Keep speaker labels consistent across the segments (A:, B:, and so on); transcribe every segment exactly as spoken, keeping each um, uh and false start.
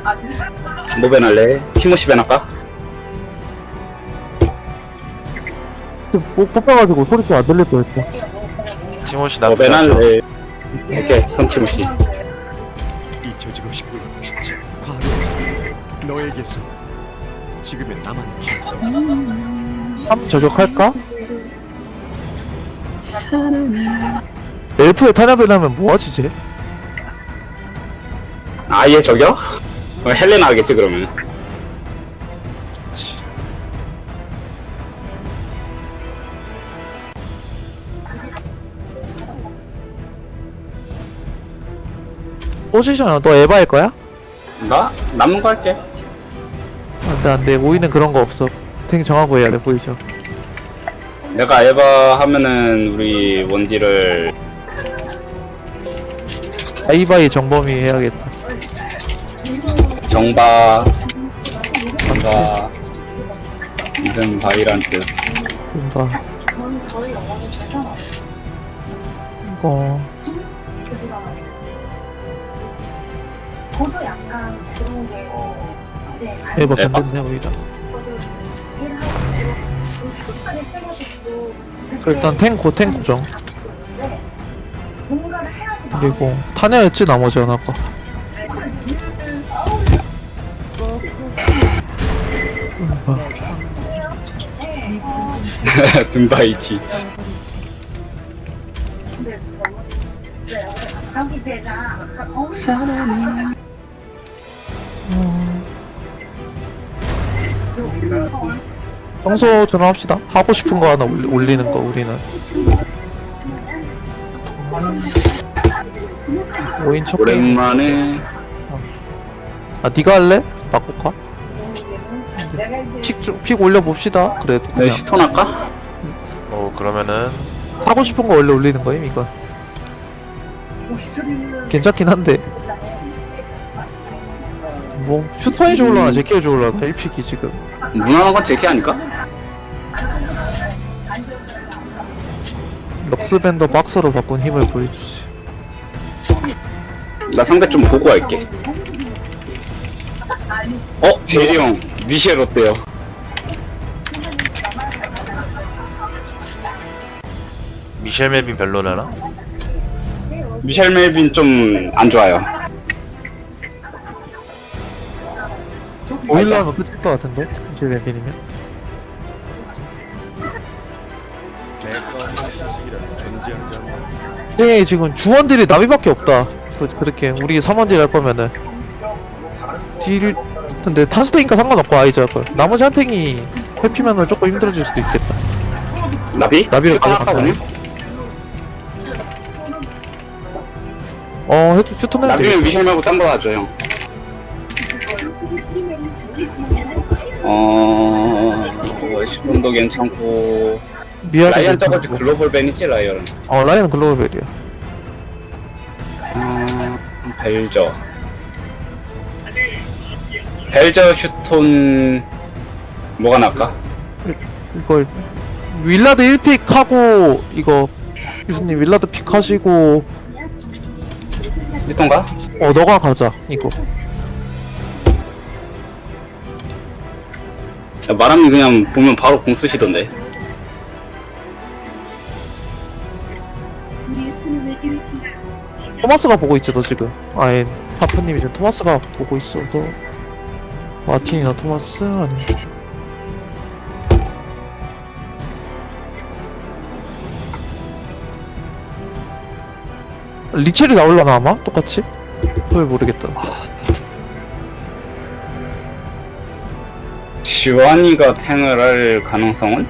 A: 뭐 배날래? 티모시 배날까?
B: 목 뽑아가지고 소리 좀 안 들릴 뻔했어.
C: 티모시
A: 뭐
C: 나쁘지 않죠.
A: 배날래? 오케이, 선 티모시.
D: 잊혀지고 싶고 과거에서 너에게서 지금의 나만 기억.
B: 삼 저격할까? 엘프에 탄압을 하면 뭐하지 쟤?
A: 아예 저격? 어, 헬레나 하겠지 그러면.
B: 포지션은 너 에바 할 거야?
A: 나? 남는 거 할게.
B: 안돼 안돼 오이는 그런 거 없어. 되게 정하고 해야 돼 포지션.
A: 내가 에바 하면은 우리 원딜을
B: 아이바이 정범이 해야겠다.
A: 정바, 정바, 이든 바이란트.
B: 뭔가 이거
E: 저도 약간 그런 게 네,
B: 에바
A: 에바?
B: 건졌네 오히려.
E: 저도 일을 하고 급하게 실무시고
B: 일단 탱고 탱고정.
E: 네, 뭔가를 해야지
B: 그리고 타냐였지 나머지 하나가.
A: 든바이티.
E: 저기 제가
B: 평소처럼 합시다. 하고 싶은 거 하나 올리, 올리는 거 우리는. 오인 첫 게임.
A: 오랜만에
B: 아 니가 할래? 바꿀까? 픽, 좀- 픽 올려봅시다. 그래도
A: 내
B: 그냥
A: 시톤 할까?
C: 어 그러면은
B: 하고 싶은 거 원래 올리는 거임 이거. 괜찮긴 한데 뭐 슈터이 좋을라나 제키가 좋을라나 일 픽이 지금.
A: 무난한 건 제키 아닐까?
B: 럭스밴더 박서로 바꾼 힘을 보여주지.
A: 나 상대 좀 보고 할게. 어? 제리 형 미셸 어때요?
C: 미셸 멜빈 별로려나?
A: 미셸 멜빈 좀 안 좋아요.
B: 오일러 하면 끝일 것 같은데? 이제 웬빈이면? 네 지금 주원들이 나비밖에 없다. 그, 그렇게 우리 삼원딜 할 거면은 딜 근데 타스테니까 상관없고 아이즈 할 거야. 나머지 한 탱이 회피면은 조금 힘들어질 수도 있겠다.
A: 나비?
B: 나비를
A: 슈톤 할까
B: 가져갈까요?
A: 오늘?
B: 어 해도 슈터는 해도
A: 나비면
B: 되겠다.
A: 미셸 말고 딴 거 하죠 형. 어... 슈톤도 괜찮고
B: 미아도
A: 라이언 저거지
B: 괜찮고.
A: 글로벌 밴이지 라이언은.
B: 어 라이언 글로벌이야.
A: 음... 벨저 벨저 슈톤 뭐가 나을까?
B: 이걸 윌라드 일 픽 하고 이거 유수님 윌라드 픽 하시고
A: 슈톤가?
B: 어 너가 가자 이거.
A: 야, 마람이 그냥 보면 바로 공 쓰시던데.
B: 토마스가 보고 있지 너 지금. 아예 하프님이 지금 토마스가 보고 있어. 너 마틴이나 토마스 아니면 리첼이 나올라나 아마? 똑같이? 왜 모르겠다.
A: 지완이가 탱을 할 가능성은?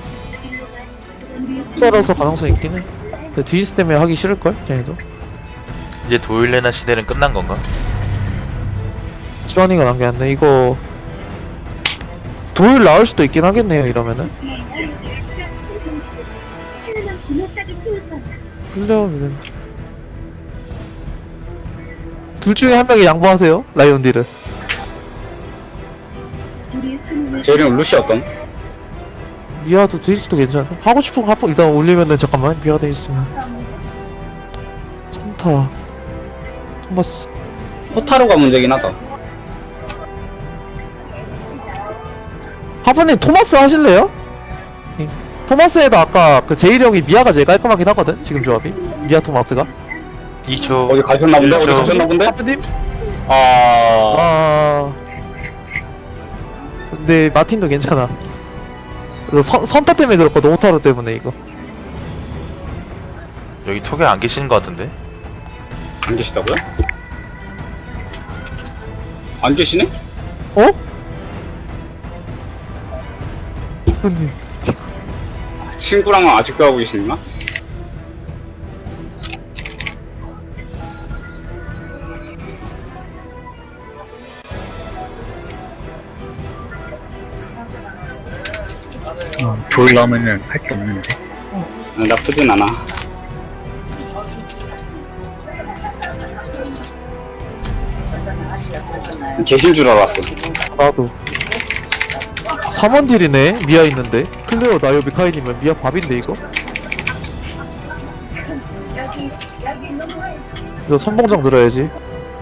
B: 숫자라서 가능성이 있긴 해. 근데 디스 때문에 하기 싫을걸? 쟤네도.
C: 이제 도일레나 시대는 끝난 건가?
B: 주환이가 남겼네. 이거 도일 나올 수도 있긴 하겠네요 이러면은. 플레어는 둘 중에 한 명이 양보하세요. 라이온딜은.
A: 제리 형 루시 어떤?
B: 미아도 드리스도 괜찮아. 하고 싶은 거 하고 일단 올리면은 잠깐만 미아도 있으면. 산타. 토마스.
A: 호타루가 문제긴 하다.
B: 하프님 토마스 하실래요? 예. 토마스에도 아까 그 제일 형이 미아가 제일 깔끔하긴 하거든 지금 조합이 미아 토마스가.
C: 이 초.
A: 어디 가셨나 본데? 어디
C: 일 초.
A: 가셨나 본데?
B: 하프님?
A: 아...
B: 아. 근데 마틴도 괜찮아. 그 선, 선타 때문에 그렇거든 오타로 때문에 이거.
C: 여기 톡에 안 계시는 것 같은데?
A: 안 계시다고요? 안 계시네?
B: 어? 하프님.
A: 친구랑은 아직도 하고 계시나?
F: 조일 나오면은 할 게 없는데.
A: 아, 나쁘진 않아. 계신 줄 알았어.
B: 나도. 삼 원 딜이네 미아 있는데 클레어 나요비 카인이면 미아 밥인데 이거? 이거 선봉장 들어야지.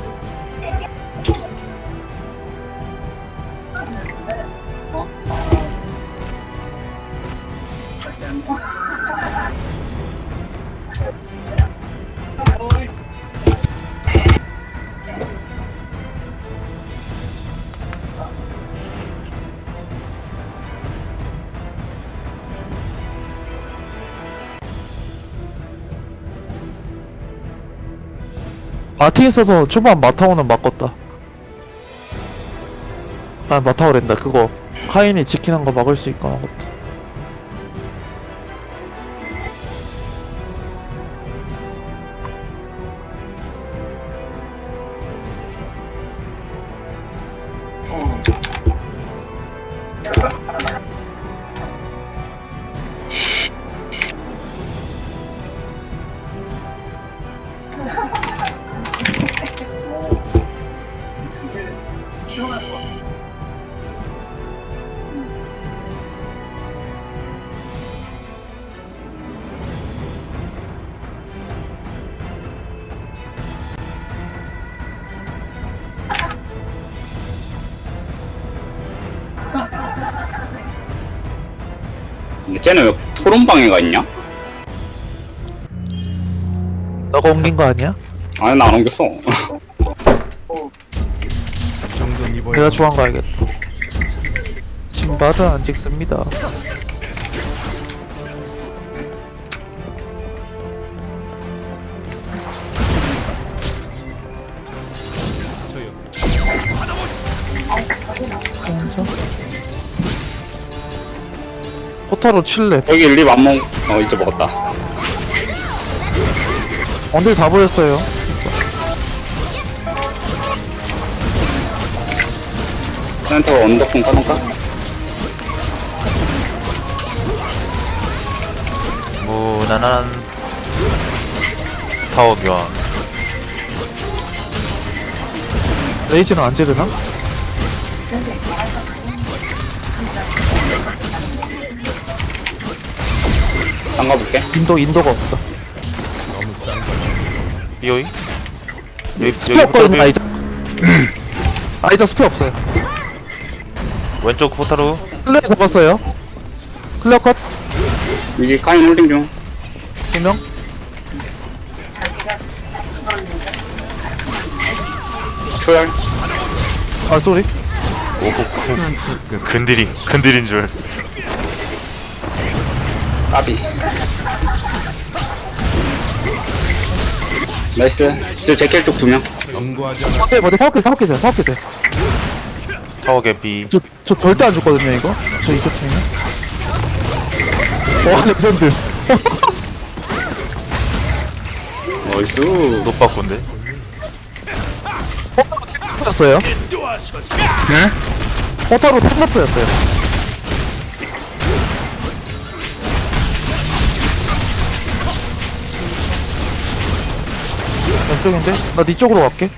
B: 마티 있어서 초반 마타오는 막았다. 아 마타오랜다 그거 카인이 지키는 거 막을 수 있거나 같다.
A: 근데 쟤는 왜 토론방에가 있냐?
B: 너가 옮긴 거 아니야?
A: 아니 나 안 옮겼어.
D: 정돈 입어야
B: 내가 중앙 가야겠다. 신발은 안 찍습니다. 포타로 칠렙.
A: 여기 립 안 먹... 어 이제 먹었다.
B: 언딜 다 보였어요.
A: 센터 언더풍 까놓을까?
C: 무난한 타워 교환.
B: 레이지는 안 지르나?
A: 잠가볼게.
B: 인도, 인도가 없다.
C: 삐오이? 여기,
B: 스페 없거든요, 아이자. 아이자 스페 없어요.
C: 왼쪽 포타로.
B: 클레어 잡았어요. 클레어 컷.
A: 이게 카인 홀딩 중.
B: 두 명.
A: 초열.
B: 아, 쏘리.
C: 근딜인, 근딜인 줄.
A: 까비. 나이스. 저 제켈 쪽 두 명.
D: 경고하지 않아.
B: 네, 어디 사업해, 사업해세요, 사업해세요.
C: 타워 개피.
B: 저, 저 절대 안 죽거든요, 이거. 저 이석형이. 와, 레전드.
A: 나이스.
C: 노빠꾼데?
B: 였어요.
F: 네?
B: 포타로 탱커프였어요. 왼쪽인데? 나 니 쪽으로 갈게.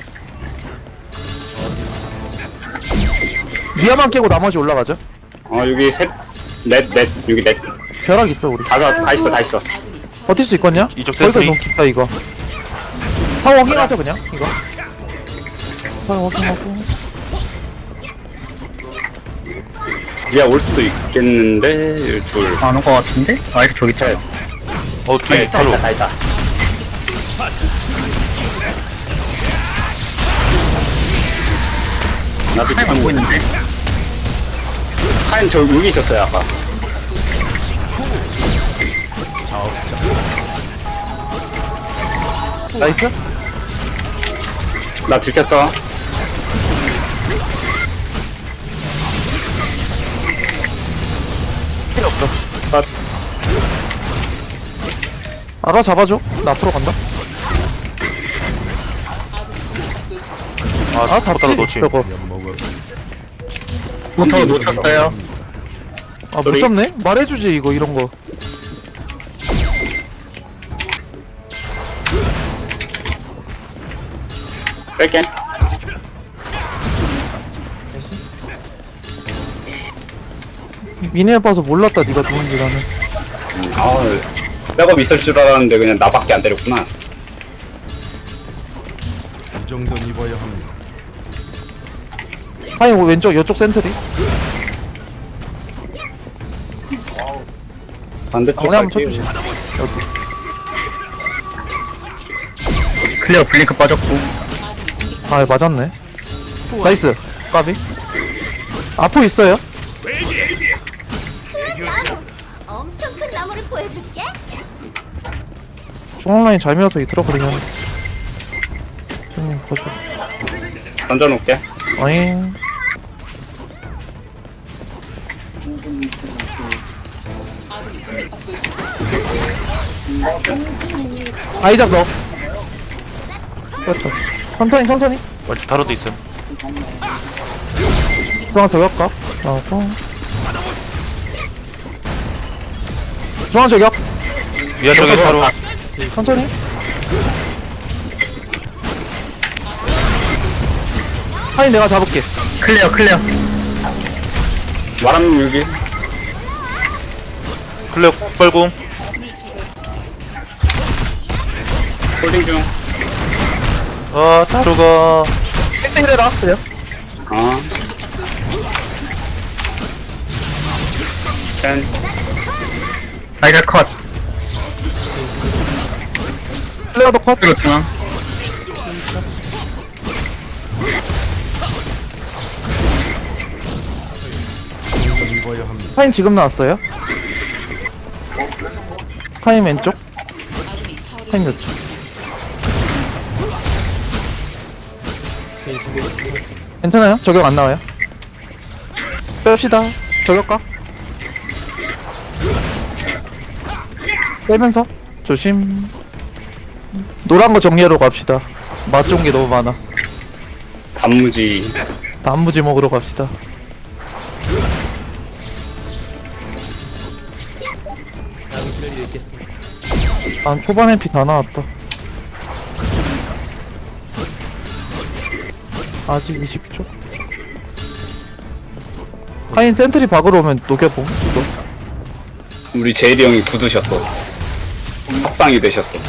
B: 미아만 깨고 나머지 올라가죠.
A: 어 여기 셋, 넷, 넷, 여기 넷.
B: 벼락 있죠, 우리.
A: 다, 다, 다 있어, 다 있어.
B: 버틸 수 있거든요?
C: 이쪽
B: 거기서
C: 센트리.
B: 너무 깊다, 이거. 다 워킹하죠, 그냥, 이거. 다 워킹하고.
A: 야, 올 수도 있겠는데, 둘.
F: 안 올 것 같은데? 아이스 저기 있잖아.
C: 어 뒤에
A: 다
C: 타로.
A: 있다, 다 있다. 나도
F: 카인 안
A: 참,
F: 보이는데?
A: 카인 저 여기 있었어요, 아까.
B: 나이스?
A: 나 들켰어.
B: 필요 없어. 나. 알아, 잡아줘. 나 앞으로 간다.
C: 아
B: 아,
C: 포타로
B: 잡지?
C: 놓치.
B: 저거.
F: 포터 놓쳤어요.
B: 아, 못
A: 소리?
B: 잡네? 말해주지, 이거, 이런 거.
A: 뺄게.
B: 미니에 봐서 몰랐다, 니가 누군지 나는.
A: 아, 백업 있을 줄 알았는데 그냥 나밖에 안 때렸구나.
D: 이 정도는 입어야 합니다.
B: 아니, 왼쪽, 이쪽 센트리.
A: 반대쪽
B: 정리 한번
A: 갈게요.
B: 쳐주지. 여기.
F: 클리어 블링크 빠졌고.
B: 아, 맞았네. 나이스. 까비. 아포 있어요?
G: 엄청 큰 나무를 보여줄게.
B: 중앙 라인 잘 밀어서 이 들어버리면. 좀, 거죠.
A: 던져놓을게.
B: 어잉. 아이작 너. 됐다. 천천히, 천천히.
C: 왼쪽 타로도 있음.
B: 중앙 저격가. 하고. 중앙 저격.
C: 위아 쪽에 타로.
B: 천천히. 하인 내가 잡을게.
F: 클리어 클리어.
A: 말하면 여기.
C: 클레어 뻘궁.
A: 홀딩 중.
C: 아 타로가.
B: 땡땡 해라. 그냥.
A: 어. 짠.
F: 아이스 컷.
B: 플레어도 컷.
F: 그리고 중앙.
D: 이 정도는 입어야 합니다.
B: 하인 지금 나왔어요? 하인 왼쪽? 하인 왼쪽? 괜찮아요? 저격 안 나와요? 뺍시다. 저격가? 빼면서 조심. 노란 거 정리하러 갑시다. 맛 좋은 게 너무 많아.
A: 단무지.
B: 단무지 먹으러 갑시다. 아, 초반 엠피 다 나왔다. 아직 이십 초. 하인 센트리 박으러 오면 녹여봄. 이거.
A: 우리 제일이 형이 굳으셨어. 석상이 되셨어.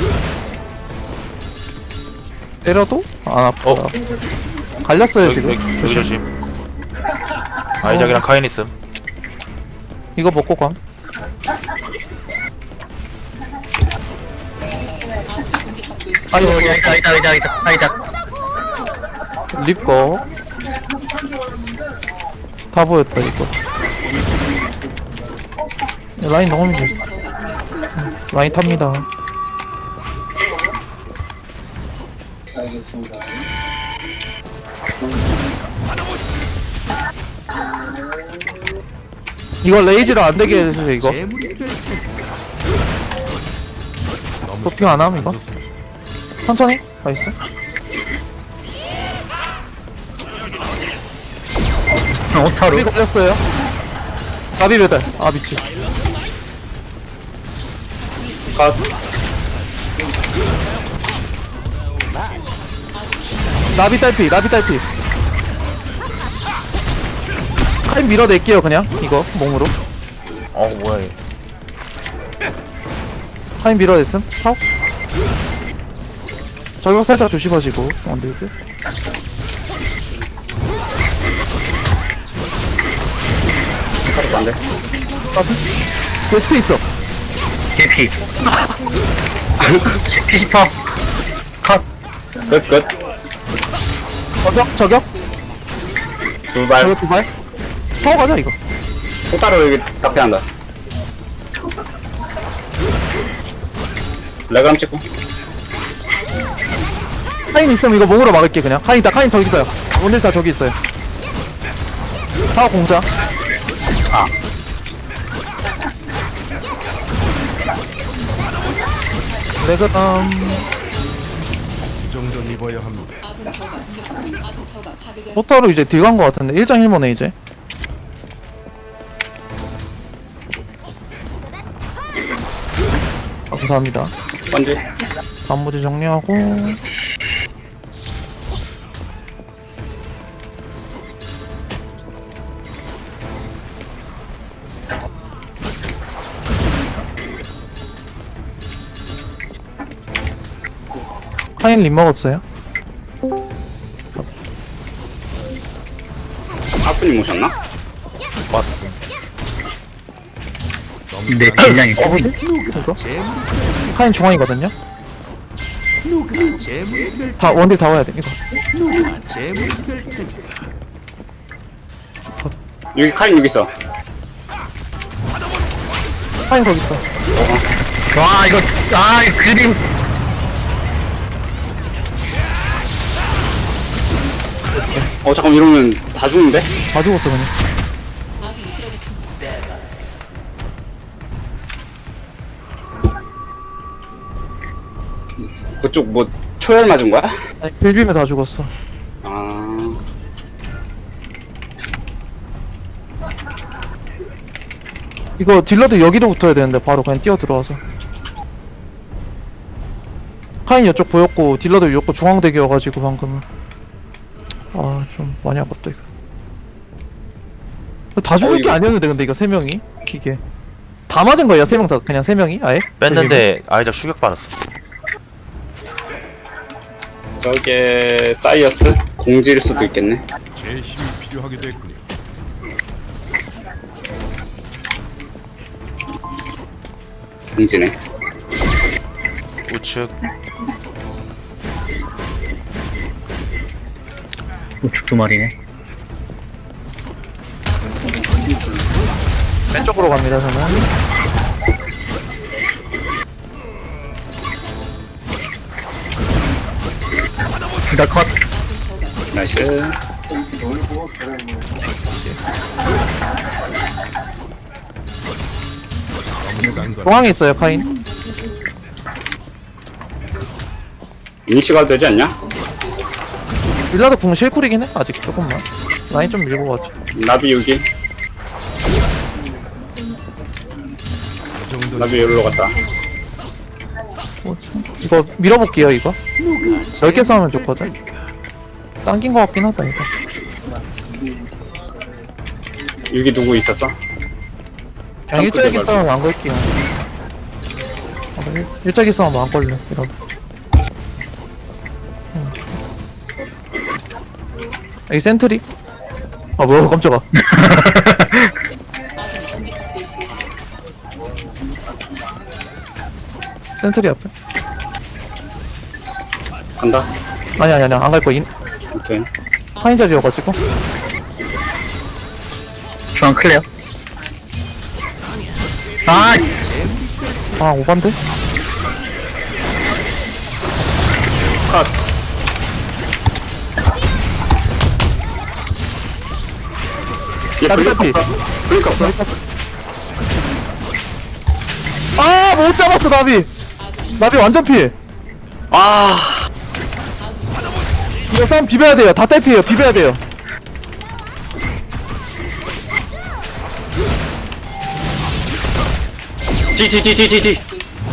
B: 때려도 안 아프다.
C: 어.
B: 갈렸어요
C: 여기
B: 지금.
C: 여기, 여기 조심. 아이작이랑 카인 있음.
B: 이거 먹고 감. 아니
F: 아이고 아이스 아이스 아이스 아이스 아이스.
B: 립거 다 보였다 이거. 라인 너무 힘들어. 응, 라인 탑니다. 이거 레이지를 안 되게 해주세요 이거. 도핑 안 함 이거. 천천히 나이스.
F: 중앙 오타로.
B: 나비 걸렸어요. 나비 배달. 아 미치.
A: 컷.
B: 나비 딸피. 나비 딸피. 카인 밀어낼게요 그냥 이거 몸으로.
C: 어 뭐야 얘.
B: 카인 밀어냈음. 탑. 저격 살짝 조심하시고 원딜들.
A: 안돼.
B: 그 스페 있어.
F: 개피. 피시퍼. 컷.
A: 끝 끝.
B: 저격, 저격,
A: 두발.
B: 저격 두 발. 타고 가자, 이거.
A: 호타로 여기 낙태한다. 레그람 찍고.
B: 카인 있으면 이거 몸으로 막을게, 그냥. 카인 있다, 카인 저기 있어요. 오늘 다 저기 있어요. 타워 공자.
A: 아.
B: 레그담.
D: 이 정도는 입어야 합니다.
B: 포터로 이제 딜간 거 같은데. 일 장 일 모네, 이제. 감사합니다.
A: 번지.
B: 단무지 정리하고. 카인 림 먹었어요?
A: 하프님 오셨나?
C: 왔어.
F: 내 질량이 커.
B: 이거? 카인 중앙이거든요? 다 원딜 다 와야 돼 이거.
A: 여기 카인 여기 있어.
B: 카인 거기 있어.
F: 와, 이거, 아, 그림.
A: 어 잠깐 이러면 다 죽는데?
B: 다 죽었어 그냥.
A: 그쪽 뭐 초열 맞은 거야?
B: 아니 빌비면 다 죽었어.
A: 아.
B: 이거 딜러도 여기로 붙어야 되는데 바로 그냥 뛰어 들어와서. 카인 이쪽 보였고 딜러도 이쪽 중앙대기여가지고 방금은. 아 좀 많이 아깝다 이거. 다 죽을
A: 어,
B: 게
A: 이거-
B: 아니었는데 근데 이거 세 명이 기계 다 맞은 거야 세 명 다 그냥 세 명이 아예?
C: 뺐는데 아이작 추격 받았어.
A: 저게 사이어스? 공지일 수도 있겠네.
D: 제 힘이 필요하게 됐군요.
A: 공지네.
C: 우측.
F: 우측 두 마리네.
B: 왼쪽으로 갑니다 저는.
F: 둘 다 컷.
A: 나이스.
B: 중앙에 있어요 카인.
A: 이니시가 되지 않냐?
B: 빌라드 궁 실쿨이긴 해 아직 조금만. 라인 좀 밀고 가죠.
A: 나비 여기.
D: 이 정도는
A: 나비 여기로 갔다.
B: 뭐지? 이거 밀어볼게요 이거. 넓게 싸우면 좋거든. 당긴 거 같긴 하다 이거.
A: 여기 누구 있었어?
B: 그냥 일자기 싸우면 안 걸게요. 아, 일- 일자기 싸우면 안 걸려 이러면. 음. 여기 센트리? 아 뭐야 깜짝아. 센트리 앞에?
A: 간다.
B: 아니 아니 아니 안 갈 거야.
A: 오케이.
B: 파인 자리여가지고.
F: 중앙 클레어. 아,
B: 아 오반데?
A: 컷. 얘
B: 나비,
A: 블링크
B: 나비.
A: 없어. 블링크 없어.
B: 아 못 잡았어 나비. 나비 완전 피해.
A: 아.
B: 이거 싸움 비벼야 돼요. 다 딸피해요. 비벼야 돼요.
A: 디디디디디디.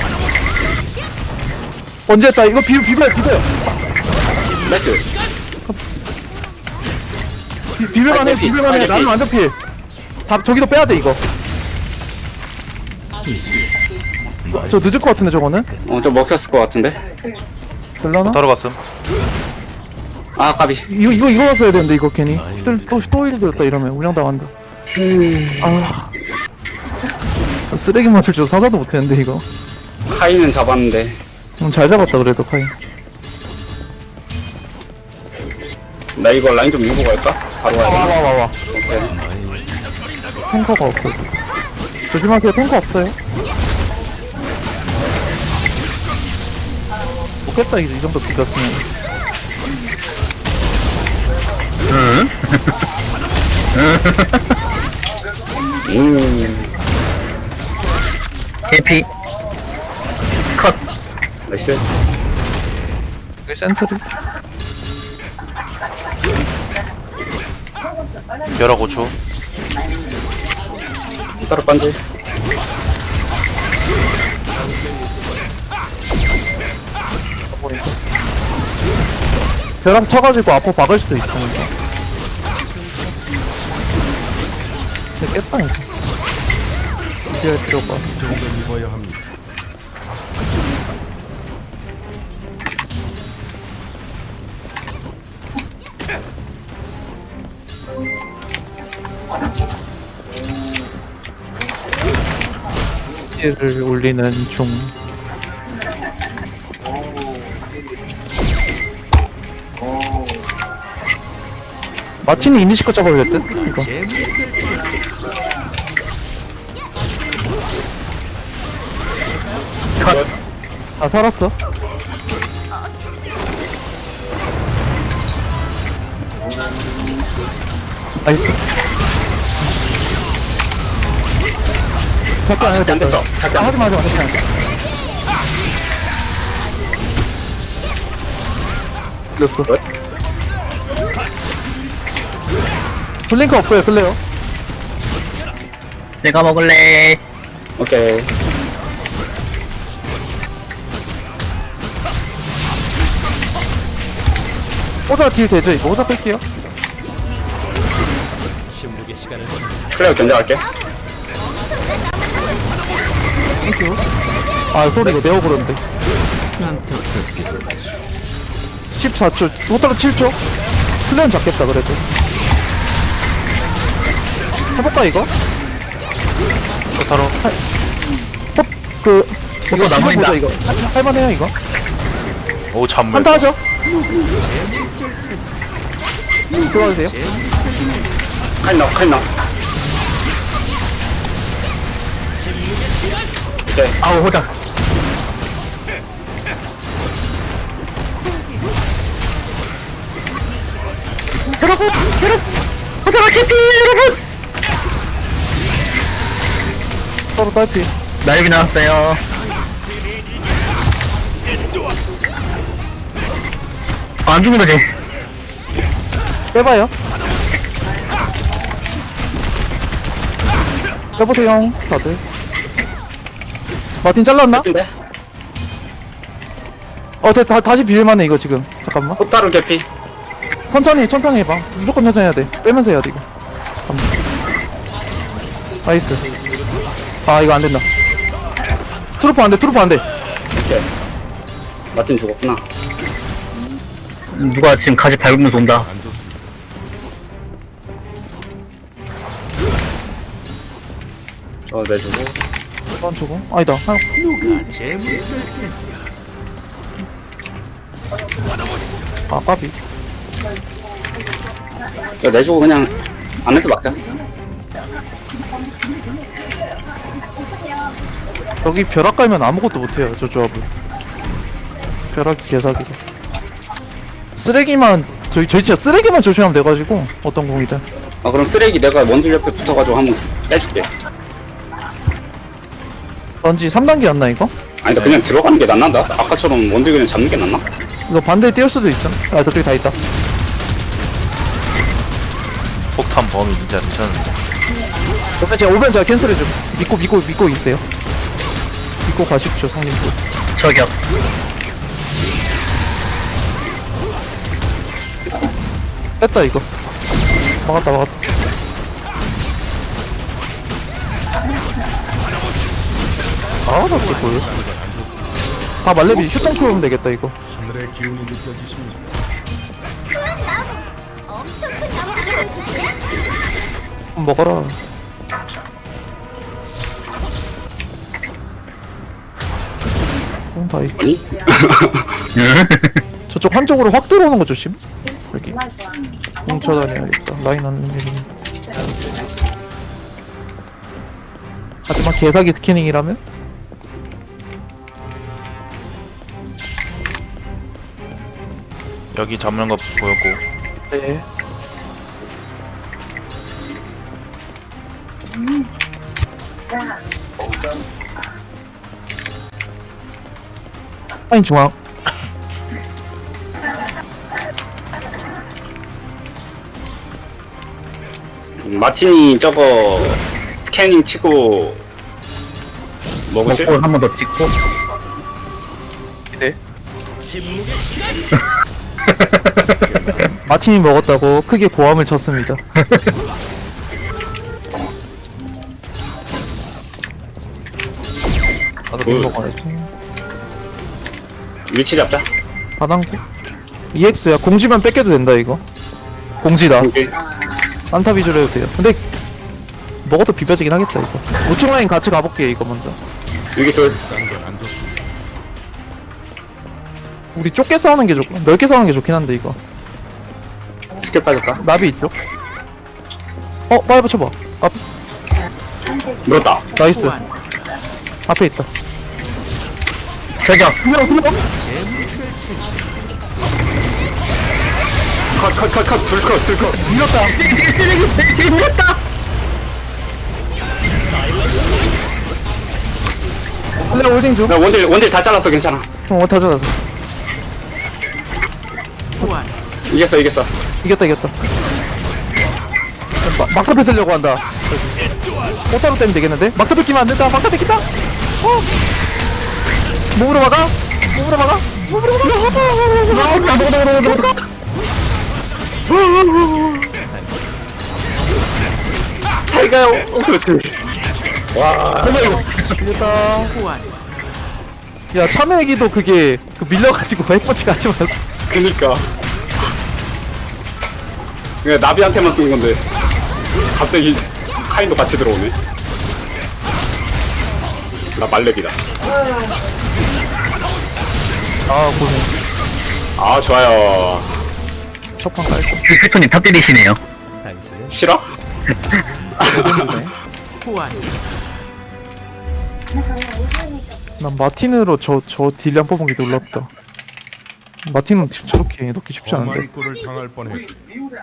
B: 언제 했다. 이거 비, 비벼요 비벼요.
A: 나이스.
B: 비, 비벼만 해
A: 빨리 피,
B: 비벼만 해.
A: 빨리
B: 나는
A: 피.
B: 완전 피해. 다 저기도 빼야 돼 이거. 저 늦을 것 같은데 저거는?
A: 어, 저 먹혔을 것 같은데.
B: 될라나?
C: 떨어갔음.
A: 아, 까비.
B: 이거 이거 이거 왔어야 되는데 이거 괜히. 또 또일 들었다 이러면 운영 당한다. 아 쓰레기 맞출 줄 사자도 못했는데 이거.
A: 카이는 잡았는데.
B: 음, 잘 잡았다 그래도 카이.
A: 나 이거 라인 좀 밀고 갈까? 바로 와야 돼.
B: 와와와와.
A: 오케이.
B: 탱커가 없어. 조심하세요. 탱커 없어요. 못겠다 이제 이 정도 비겼으면.
F: 응?
A: 음.
F: 개피. 컷.
A: 나이스.
B: 이게 센트리.
C: 벼락 오 초.
A: 따로 반지.
B: 벼락 쳐가지고 앞으로 박을 수도 있으니까. 근데 깼다 이거. 이제 필요가.
D: 그 정도는 입어야 합니다.
B: 를 올리는 중. 마틴이 이니시커 잡아야 될 듯? 이거.
F: 컷.
B: 아, 살았어. 나이스. 잠깐,
A: 아, 안 됐어.
B: 아,
A: 잠깐.
B: 하지 마, 하지 마, 하지 마. 됐어. 블링크 없어요, 클레어.
F: 내가 먹을래.
A: 오케이.
B: 호자 딜 되죠, 이거? 호자 뺄게요.
A: 클레어 견제할게.
B: 땡큐. 아, 소리 이거 내어 그런데. 십사 초. 호타로 칠 초. 클레어는 잡겠다, 그래도. 해볼까, 이거?
C: 호타로.
B: 호, 그,
F: 호타
B: 이거
F: 나무린다.
B: 보자, 이거. 할만해요, 이거?
C: 오 잔물.
B: 한타 하죠? 들어와도 돼요?
A: 카이 나와, 카이 나와. 오케이.
F: 아우, 호자. 여러분, 여러분, 호자가 개피, 여러분.
B: 서로 딸피.
F: 날비 나왔어요. 아, 안 죽는 거지?
B: 빼봐요. 빼보세요, 다들. 마틴 잘랐나?
A: 근데
B: 어, 다, 다, 다시 비빌만해, 이거 지금. 잠깐만.
A: 호타루 개피.
B: 천천히, 천천히 해봐. 무조건 천천히 해야 돼. 빼면서 해야 돼, 이거. 잠깐만. 나이스. 아, 이거 안 된다. 트루프 안 돼, 트루프 안 돼.
A: 오케이. 마틴 죽었구나.
F: 누가 지금 가지 밟으면서 온다.
D: 안 좋습니다.
A: 저 내주고.
B: 이번 주고. 아니다. 아, 아, 까비.
A: 저 내주고 그냥 안에서 막자.
B: 여기 벼락 깔면 아무것도 못해요, 저 조합은. 벼락이 개사기고. 쓰레기만, 저희, 저희 진짜 쓰레기만 조심하면 돼가지고, 어떤 공이든.
A: 아 그럼 쓰레기 내가 원딜 옆에 붙어가지고 한번 빼줄게.
B: 런지 삼 단계였나, 이거?
A: 아니다 그냥 들어가는 게 낫난다. 아까처럼 원딜 그냥 잡는 게 낫나?
B: 이거 반대에 띄울 수도 있어. 아, 저쪽에 다 있다.
C: 폭탄 범위 진짜 미쳤는데.
B: 그러면 제가 오면 제가 캔슬해줘. 믿고, 믿고, 믿고 있어요. 믿고 가십시오, 성님들.
F: 저격.
B: 뺐다, 이거. 막았다, 막았다. 아, 나 진짜 보여. 다 말레비 슈팅 키우면 되겠다, 이거.
D: 하늘의 기운이 느껴지십니다.
G: 엄청 큰 나무를 보여줄게.
B: 먹어라. 다이.
A: 아니?
B: 저쪽 한쪽으로 확 들어오는 거 조심. 여기
E: 정말 좋아.
B: 뭉쳐 다녀야겠다. 라인 안 밀리니. 하지만 개사기 스캐닝이라면?
C: 여기 잡는 거 보였고.
B: 네.
E: 자,
B: 라인 중앙.
A: 마틴이 저거 스캐닝 치고 먹으실?
F: 먹고 한 번 더 찍고.
B: 네. 마틴이 먹었다고 크게 고함을 쳤습니다. 나도
A: 그-
B: 먹어야지.
A: 위치 잡자.
B: 바당고. 이엑스야. 공지만 뺏겨도 된다 이거. 공지다.
A: 오케이.
B: 안타 위주로 해도 돼요. 근데 먹어도 비벼지긴 하겠다 이거. 우측 라인 같이 가볼게 이거 먼저.
A: 여기 둘.
D: 딴건안 좋습니다.
B: 우리 좁게 싸우는 게 좋고 넓게 싸우는 게 좋긴 한데 이거.
A: 스킬 빠졌다.
B: 나비 있죠? 어 빨리 붙여봐. 앞
A: 물었다.
B: 나이스. 앞에 있다.
F: 저기요.
B: 두명 두명.
A: 컷, 컷, 컷, 컷. 둘 컷, 둘 컷.
B: 밀었다.
F: 쓰레기, 쓰레기, 밀렸다!
B: 플레어 홀딩 중.
A: 나 원딜, 원딜 다 잘랐어. 괜찮아.
B: 어 다 잡았어.
A: 이겼어, 이겼어.
B: 이겼다 이겼다. 마, 막타 뺏으려고 한다. 오타로 때면 되겠는데? 막타 뺏기면 안 된다. 막타 뺏긴다. 어. 몸으로 막아. 몸으로 막아. 몸으로 막아.
A: 잘 가요. 어, 그렇지.
B: 이겼다. 야 참외기도 그게 그 밀려가지고 핵펀치 같이 맞았어.
A: 그니까. 그냥 나비한테만 쓴 건데. 갑자기 카인도 같이 들어오네. 나 말렙이다.
B: 아 고생.
A: 아, 좋아요.
B: 첫판 깔고.
F: 빅토님 탑 때리시네요.
A: 싫어?
B: 난 마틴으로 저 저 딜량 뽑은 게 놀랍다. 마틴은 저렇게 넣기 쉽지 않은데.
D: 험한 꼴을 당할 뻔했.